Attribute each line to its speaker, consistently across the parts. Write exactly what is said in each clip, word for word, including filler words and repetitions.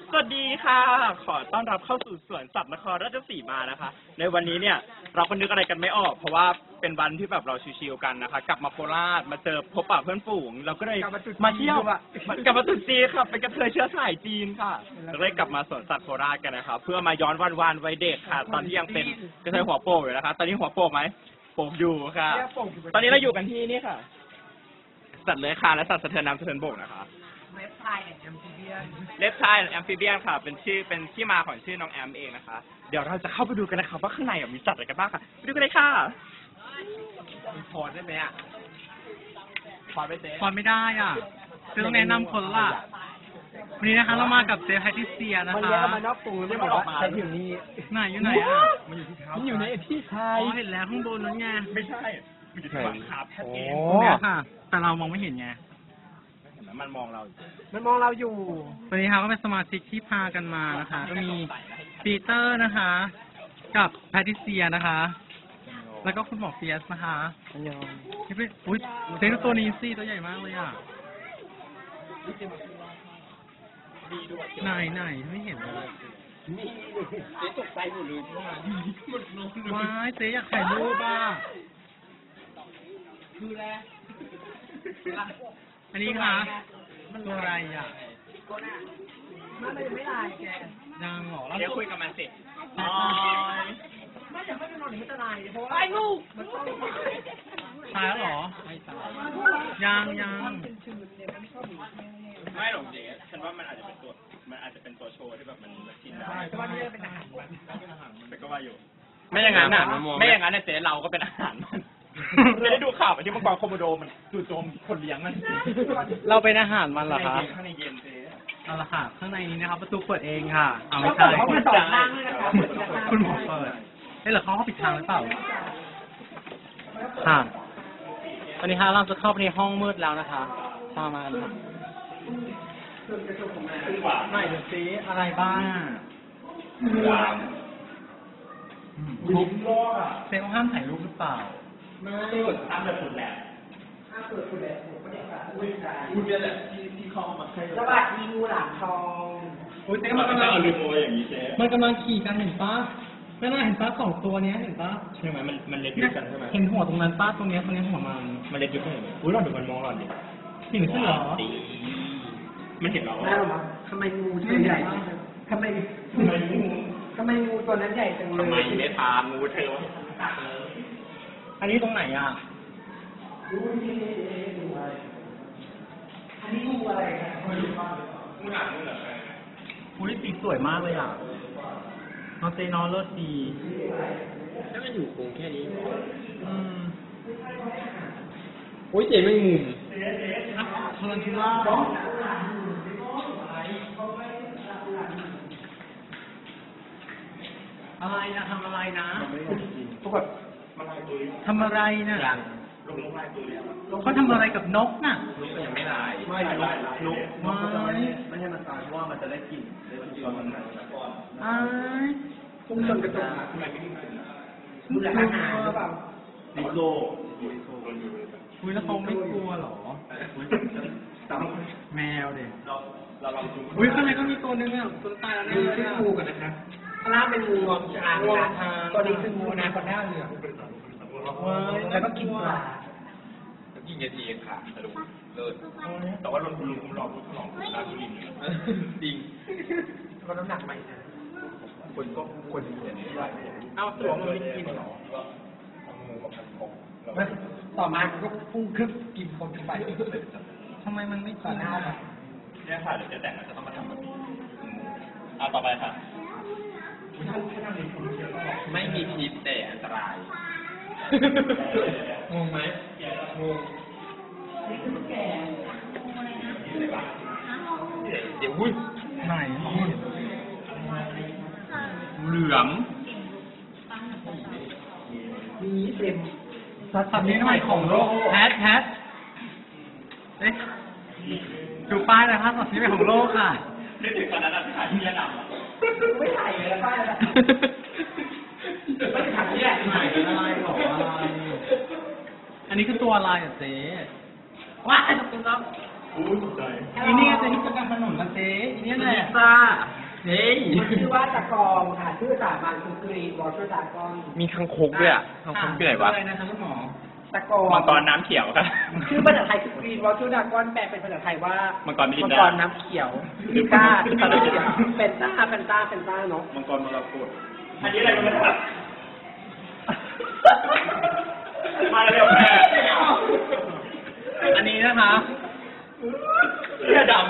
Speaker 1: สวัสดีค่ะ ขอต้อนรับเข้าสู่สวนสัตว์นครราชสีมานะคะ ในวันนี้เนี่ยเราก็นึกอะไรกันไม่ออก เพราะว่าเป็นวันที่แบบเราชิวๆกันนะคะ กลับมาโคราชมาเจอพบปะเพื่อนฝูงเราก็เลยมาเที่ยวกลับมาตุจีนค่ะเป็นกระเทยเชื้อสายจีนค่ะเราเลยกลับมาสวนสัตว์โคราชกันนะคะเพื่อมาย้อนวันวานวัยเด็กค่ะ ตอนที่ยังเป็นกระเทยหัวโปกอยู่นะคะ ตอนนี้หัวโปกไหมโปกอยู่ค่ะ ตอนนี้เราอยู่กันที่นี่ค่ะ สัตว์เลื้อยคลานและสัตว์สะเทือนน้ำสะเทือนบกนะคะเล็บไทยแอนแอมฟิเบียนเล็บไทยแอมฟิเบียนค่ะเป็นชื่อเป็นที่มาของชื่อน้องแอมเองนะคะเดี๋ยวเราจะเข้าไปดูกันนะคะว่าข้างในมีสัตว์อะไรกันบ้างค่ะไปดูกันเลยค่ะมีพอได้ไหมอ่ะพอไปเจ๊
Speaker 2: พอไม่ได้อ่ะคือต้องแนะนำคนละวันนี้นะคะเรามากับเจฟแพทิเซียนะคะมัน
Speaker 3: เลี้ยงมานอกตูไม่บอกว่าใช้ถึงนี้
Speaker 2: ไหนอยู่ไหนอ่ะ
Speaker 1: มันอยู่ที่เท้า
Speaker 3: มันอยู่ในที่ไทย
Speaker 2: อ๋อเห็นแล้วข้างบนนั้นไง
Speaker 1: ไม่ใช่มันอยู่ที่บังคับแค่เอง
Speaker 2: เนี่ยค่ะแต่เรามองไม่เห็นไง
Speaker 1: มันมองเรา
Speaker 3: มันมองเราอยู่
Speaker 2: วันนี้ค่ะก็เป็นสมาชิกที่พากันมานะคะ ก็มีปีเตอร์นะคะ กับแพทิเซียนะคะ แล้วก็คุณหมอเฟียสนะคะนี่เป็นอุ้ยเซนตัวนี้สิตัวใหญ่มากเลยอ่ะไหนไหนไม่เห็นเลย
Speaker 3: เจ๊ตกใจหมดเลย
Speaker 2: ว้ายเจ๊อยากถ่ายรูปอ่ะ
Speaker 3: คือแล้ว
Speaker 2: อันนี้ค่ะมันตัวอะไรอ่ะ
Speaker 3: มันไม่ลายแก
Speaker 2: ยังหรอ
Speaker 1: เดี๋ยวคุยกับมันสิ
Speaker 3: อ๋อไม่จะไม่ได้นอนหรือไม่จะลายเพราะว่าไอ้ลูกมันต้อง
Speaker 2: ตายแล้วหรอไม่ตายยังยัง
Speaker 1: ไม่หรอกเจ๊ฉันว่ามันอาจจะเป็นตัวมันอาจจะเป็นตัวโชว์ที่แบบมันกินได้
Speaker 3: เพราะว่านี่เป็นอาหารมัน
Speaker 1: แต่ก็ว่าอยู่ไม่อย่างนั้นน่ะไม่อย่างนั้นเนี่ยเจ๊เราก็เป็นอาหารมันจะได้ดูข่าวที่มังกรโคโมโดมันจู่โจมคนเลี้ยงมัน
Speaker 2: เราเป็นอาหารมันเหรอคะ
Speaker 1: ข้างในเย็นเจ๊
Speaker 2: เอาละค่ะข้างในนี้นะครับประตูเปิดเองค่ะเอาไม่ใช่
Speaker 3: คุณต่อทางเลยนะครับ
Speaker 2: คุณหมอเปิดเฮ้ยหรือเขาเขาปิดทางหรือเปล่าค่ะวันนี้ฮะเราจะเข้าไปในห้องมืดแล้วนะคะตามมาค่ะไม่ดูซิอะไรบ้างยิ้มโลกอ่ะเซลห้ามถ่ายรูปหรือเปล่า
Speaker 1: ไม่ห้ามแบบฝุ่นแหละ
Speaker 3: ห้ามเปิดฝุ่นแหละผมไม่ได้ค่ะอุ้ยใจ
Speaker 1: คุณเนี่ยแหละที่ที่เข้ามาใคร
Speaker 3: สวัสดีงูหลามทอง
Speaker 2: อุ้ยเจ๊มันกำลัง
Speaker 1: เอาลืมโมอย่างนี้เจ๊
Speaker 2: มันกำลังขี่กันเห็นปะไม่น่าเห็นปะสองตัวนี้เห็นปะ
Speaker 1: ใช่ไหมมันมันเล็กอยู่กันใช่ไหม
Speaker 2: เห็นหัวตรงนั้นปะตรงนี้ตรงนี้หัวมัน
Speaker 1: มันเล็กอยู่กันอุ้ยเราดูมันมองเราดิ
Speaker 2: เห็นเสื้อเหรอ
Speaker 1: มันเห็นเรา
Speaker 3: ได้หรอทำไมงูตัวใหญ่ทำไมทำไมงูทำไมงูตัวนั้นใหญ่จังเลย
Speaker 1: ทำไมไม่พางูเธอวะ
Speaker 2: อันนี้ตรงไหนอ่ะ
Speaker 3: อันนี้งูอะไรครับ
Speaker 1: งูหนังงูเหรอ
Speaker 2: อุ้ยสีสวยมากเลยอ่ะน้องเจนอเลิศดี
Speaker 1: ถ้ามันอยู่คงแค่นี้
Speaker 2: อืม
Speaker 1: โอ้ยเจ๊ไม่มุม
Speaker 2: ทารันทูล่าอะไรนะทำอะไรนะ
Speaker 1: พวกแบบ
Speaker 2: ทำอะไรนะเขาทำอะไรกับนกน่ะ
Speaker 1: นกยังไม่ลายไม่ลายนกนกไม่ให้มันตายเพราะว่ามันจะได้กลิ่นได้กลิ่นมันหนักก่อน
Speaker 2: อ้าย
Speaker 3: พุ่งชนกระจกทำไมไม่ได้ดูแลอาหารหรือเปล่า
Speaker 1: ดิโล
Speaker 2: คุยแล้วเขาไม่กลัวหรอแมวเด็ก
Speaker 1: เราเราลองดู
Speaker 2: อุ้ยข้างในก็มีตัวนึงอ่ะตัวตายแล้ว
Speaker 3: เนี่ยชื่องูกันนะครับข้างล่างเป็นงูงวงช้างนะตัวนี้คืองูนาคอนด้าเหลืองแล้วก็กินปลา
Speaker 1: แล้วกินยาจีนค่ะสรุปเลิศแต่ว่าลงทุนลุงคุณหลอกคุณหลอกร้านทุเรียนจริง
Speaker 3: ก็น้ำหนักใหม่นะ
Speaker 1: คนก็คนเห็นได้
Speaker 3: เอาตัวมันไม่กินหรอต่อมาก็พุ่งขึ้นกินคนไป
Speaker 2: ทำไมมันไม่กิน
Speaker 1: เนี่ยค่ะเดี๋ยวจะแต่งจะต้องมาทำแบบนี้อ่าต่อไปค่ะไม่มีพิษแต่อันตราย
Speaker 2: งงไหม
Speaker 1: งง
Speaker 3: นี่คือแก่
Speaker 1: เดี๋ยวอุ้ย
Speaker 2: ไหน
Speaker 1: เหลือม
Speaker 3: มีเต็ม
Speaker 2: สัตว์นี้ทำไมของโลกแพทแพทเอ๊ะดูป้ายนะครับสัตว์นี้เป็นของโลกค่ะ
Speaker 1: นึกถึงตอนนั้นที่ถ่ายที่ระดับ
Speaker 3: ไม่ถ่ายเลยป้ายแล้วไม่ถ่ายที่แรก
Speaker 2: ถ่ายอะไรหรออะไรอันนี้คือตัวอะไรอ่ะเจ๊
Speaker 3: ว้ายตกใจ
Speaker 1: อู้ตกใจ
Speaker 2: อีนี่เจ๊ที่ประกันถนนนะเจ๊นี่แหละ
Speaker 1: ซ่าเฮ้ย
Speaker 3: มันชื่อว่าตะกองค่ะชื่อสามัญคือกรีนวอเตอร์ดากอน
Speaker 1: มีคังคกด้วยอ่ะคังคกที่ไหนวะ
Speaker 2: อะไรนะคะคุณหมอ
Speaker 3: ตะกอง
Speaker 1: มังกรน้ำเขียวครับ
Speaker 3: ชื่อภาษาไทยคือกรีนวอเตอร์ดากอนแปลเป็นภาษาไทยว่า
Speaker 1: มั
Speaker 3: มั
Speaker 1: งกรมิรินดา
Speaker 3: มังกรน้ำเขียวมิก้ามิก้าน้ำเขียวเป็นต้าเป็นต้าเป็นต้าเนาะ
Speaker 1: มังกรมรกตอันนี้อะไรกันนะครับมาเร็วแม่
Speaker 2: อันนี้นะคะ
Speaker 1: เสื้อดำ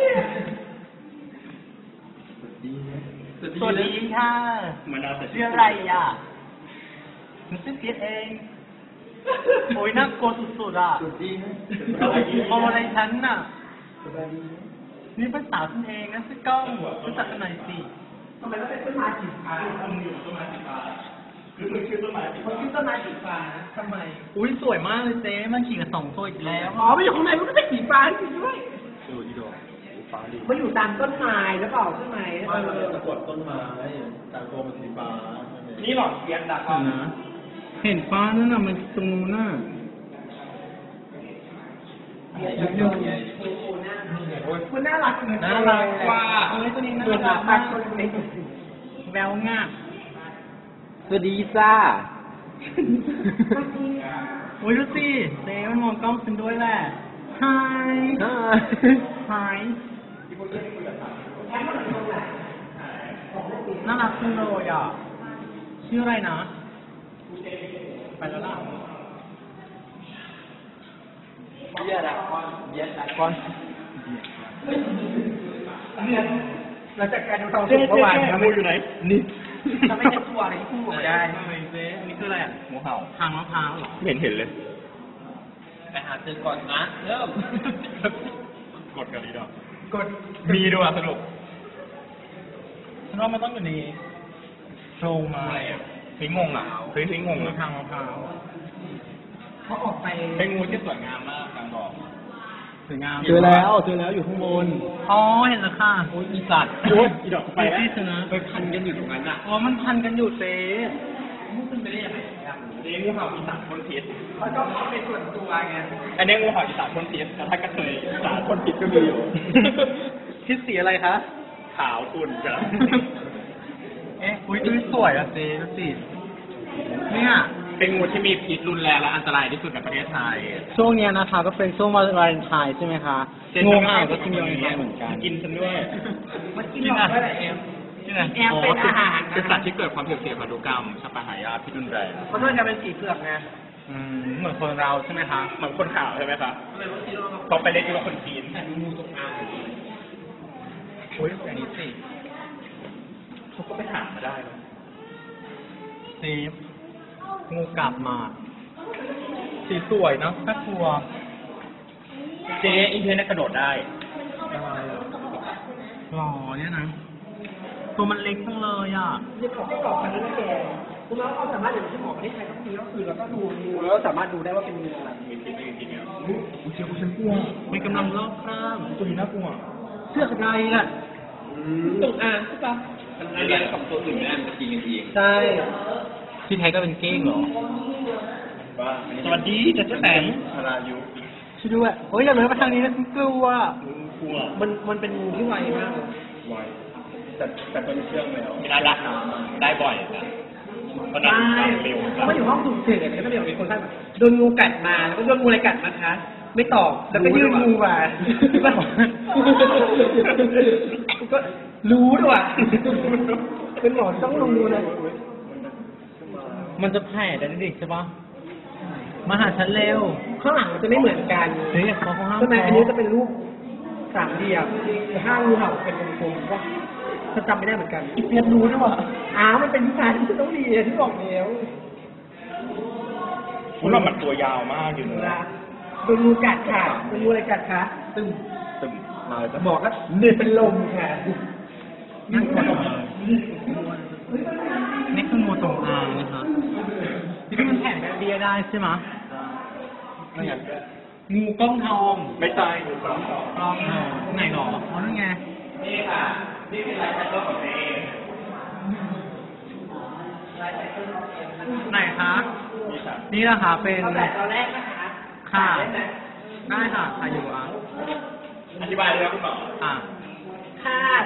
Speaker 2: สวัสดีค่ะ
Speaker 1: มันน่าจะ
Speaker 2: ชื่ออะไรอ่ะหนูชื่อเพียรเอง โอ้ยน่ากลัวสุดๆอ่ะมองอะไรฉันน่ะ นี่เป็นสาวฉันเองนะชื่อกล้องรู้จักกันหน่อยสิ
Speaker 3: ทำไมต้องเป็นต้นไม้สีฟ้า
Speaker 1: มึงอยู่ต้นไม้สีฟ้าคือมึงชื่อต้นไม้สี
Speaker 3: เขา
Speaker 1: ฟ้า
Speaker 3: ชื่อต้นไม้สีฟ้านะทำไม
Speaker 2: อุ้ยสวยมากเลยเจ๊มันขี่กับสองตัวอีกแล้ว
Speaker 3: อ๋อมันอยู่ข้างในมันก็เป็นสีฟ้าจริงด้วย
Speaker 1: ดูอีดอกฟ้าดิ
Speaker 3: มันอยู่ตามต้นไม้หรือเปล่าใช่ไหมเออ
Speaker 4: ตะกวดต้นไม้แต่ตัวมันสีฟ้าใช่ไหม
Speaker 1: นี่หลอดเทียนดัก
Speaker 2: นะ เห็นฟ้านั่นน่ะมันตรงนู้นน่ะ
Speaker 3: คุณน่ารักเลย
Speaker 2: น่ารักกว่าเอ้ยตัวนี้น่า
Speaker 3: ตัว
Speaker 2: รั
Speaker 3: น่าก รั
Speaker 2: มาก ก
Speaker 3: ตัวนี้
Speaker 2: แววงาม
Speaker 4: สวัสดีจ้า
Speaker 2: โอ้ยดูสิเจ๊มันมองกล้องฉันด้วยแหละ Hi Hi น่ารักจังเลยอ่ะ ชื่ออะไรนะ ไปแล้วล่ะ
Speaker 4: เบียร์ดากอนเบียร์ดากอน
Speaker 3: เนี่ยหลังจากการดูทองสุกเมื่อวานนะ
Speaker 1: งูอยู่ไหน นี่
Speaker 3: ทำให้ฉันตัวอะไรที่พูดออกมาได้
Speaker 2: เจ๊อันนี้คืออะไรอ่ะ
Speaker 1: งูเห่า
Speaker 2: ทางมะพร้าวเหรอ
Speaker 1: ไม่เห็นเห็นเลย
Speaker 4: ไปหาซื้อก่อนนะเริ่ม
Speaker 1: กดกันดีดอก
Speaker 3: กด
Speaker 1: มีด้วยอ่ะสนุก
Speaker 2: ฉันว่ามันต้องอยู่ในโรงไม้
Speaker 1: เฮ้ยงงอ่ะเฮ้ยเฮ้ยงง
Speaker 2: คือ
Speaker 1: อ่ะ
Speaker 2: ทางมะพร้าว
Speaker 3: เขาออกไป
Speaker 1: เป็นงูที่สวยงามมากกลางบอก
Speaker 2: สวยงาม
Speaker 4: เจอแล้วเจอแล้วอยู่ข้างบน
Speaker 2: อ๋อเห็นแล้วค่ะ
Speaker 4: โอ้ยอีสัตว์
Speaker 1: โอ้ยอีดอกไป
Speaker 2: ไป
Speaker 1: แล้ว
Speaker 2: ที่ชนะ
Speaker 4: ไปพันกันอยู่ตรงนั้นอ่ะ
Speaker 2: อ๋อมันพันกันอยู่เจ๊
Speaker 3: มุ่งขึ้นไปได้ยังไง
Speaker 1: เลี้ยงงูเห่าอีสานพ่นพิษ
Speaker 3: เขาชอบเอาเป็นส่วนตัวไง
Speaker 1: อันนี้งูเห่าอีสานพ่นพิษแต่ถ้ากระเทยอีสานพ่นพิษก็มีอยู่
Speaker 2: คิดสีอะไรคะ
Speaker 1: ขาวขุ่นจ้ะ
Speaker 2: เอ๊ะอุ้ยดูสวยอ่ะเจ๊ดูสิเนี่ย
Speaker 1: เป็นงูที่มีพิษรุนแรงและอันตรายที่สุดในประเทศไทย
Speaker 2: ช่วงเนี้ยนะคะก็เป็นช่วงวาเลนไทน์ใช่ไหมคะงูเห่าก็กินวาเลนไทน์เหมือนกัน
Speaker 1: กินฉันด้วย
Speaker 3: มันกินหลอกด้วยแหละเอ็ม
Speaker 1: ที่ไหน
Speaker 3: แอมเป็นอาหาร
Speaker 1: เป็นสัตว์ที่เกิดความเสี่ยงพันธุกรรมชะปะหายาพิษรุนแรง
Speaker 3: เพราะมันจะเป็นสีเผือกไง
Speaker 2: อืมเหมือนคนเราใช่ไหมคะ
Speaker 1: เหมือนคนข่าวใช่ไหมคะเขาไปเล่นกับคนจีน
Speaker 3: งูจงอาง
Speaker 2: อุ้ยอันนี้สิ
Speaker 1: เขาก็ไปหามาได้นะ
Speaker 2: สีงูกลับมา สีสวยเนอะน่ากลัว
Speaker 1: เจ๊อินเทอร์เน็ตกระโดดได้
Speaker 2: หล่อเนี่ยนะ ตัวมันเล็กจังเลยอ่ะ
Speaker 3: จะบอกให้กรอกกันนะแกคุณน้องเขาสามารถอย่างที่หมอประเทศไทยก็มีก็คือเราก็ดูงูแล้วสามารถดูได้ว่าเป็นงูอะไร
Speaker 1: มีพิษไม่มีพิษเนี่ย
Speaker 2: อุ้ยเจ้าฉันกลัวมันกำลังลอกคราบ
Speaker 1: ตัวนี้น่ากลัว
Speaker 2: เสื้ออะไรล่ะ
Speaker 3: จงอางใช่ปะ
Speaker 4: มันเลี้ยงกับตัวอื่นไม่ได้มันจะกินกันเอง
Speaker 2: ใช่ที่ไทยก็เป็นเก้งเหรอ
Speaker 1: ว่าสวัสดีจัดเจ้าแสงธารายุ
Speaker 2: ช่วยด้วยโอ้ยอย่าเลยมาทางนี้นะฉันกลัว
Speaker 1: กลัว
Speaker 3: มันมันเป็นงูที่ไวมาก
Speaker 1: ไวแต่แต่ตัวนี้เชื่องแล้วไม่ได้รักได้บ่อยนะเพราะนั้น
Speaker 3: ใช่
Speaker 1: เร็ว
Speaker 3: เขามาอยู่ห้องสุ่มเสี่ยงเนี่ยก็เดี๋ยวมีคนท่านโดนงูกัดมาแล้วก็โดนงูอะไรกัดนะคะ ไม่ตอบแล้วก็ยื่นงูมาก็รู้ด้วยว่ะเป็นหมอต้องรู้นะ
Speaker 2: มันจะแผ่ได้เด็กใช่ปะมาหาฉันเร็ว
Speaker 3: ข้างหลังมันจะไม่เหมือนกัน
Speaker 2: เฮ้ยเขาเขาห้าม
Speaker 3: ใช่ไหมอันนี้จะเป็นรูปสามเหลี่ยมแต่ห้างูเห่าเป็นวงกลมว่าฉันจำไม่ได้เหมือนกันอีเพียรรู้ด้วยว่ะอ้าวมันเป็นวิชาที่จะต้องเรียนที่บอกแล้ว
Speaker 1: คุณว่ามันตัวยาวมากอยู่
Speaker 3: เว
Speaker 1: นะ
Speaker 3: ลาโดนงูกัดค่ะโดนงูอะไรกัดคะตึง
Speaker 1: ตึมมาเลย
Speaker 3: จะบอกแล้วเดือดเป็นลมค่ะ
Speaker 2: นั่นคือนี่คืองูจงอางนะคะที่มันแผ่แบบเบียได้ใช่ไหม
Speaker 1: ไม่งั้น
Speaker 2: งูก้องทอง
Speaker 1: ไม่ตาย
Speaker 2: กล้องทองไหนหรออ๋อนั่นไง
Speaker 1: นี่ค่ะ นี่คือลายแทงของเอง
Speaker 2: ไหนคะ
Speaker 1: นี่ค่ะ
Speaker 2: นี่นะคะเป็น
Speaker 3: เอาแต่ตอนแรกนะคะ
Speaker 2: ค่ะ
Speaker 3: ได้ไหม
Speaker 2: ได้ค่ะค่ะอยู่อ่ะ
Speaker 1: อธิบายเลยครับคุณหมอ
Speaker 2: อ่ะ
Speaker 3: ค่ะ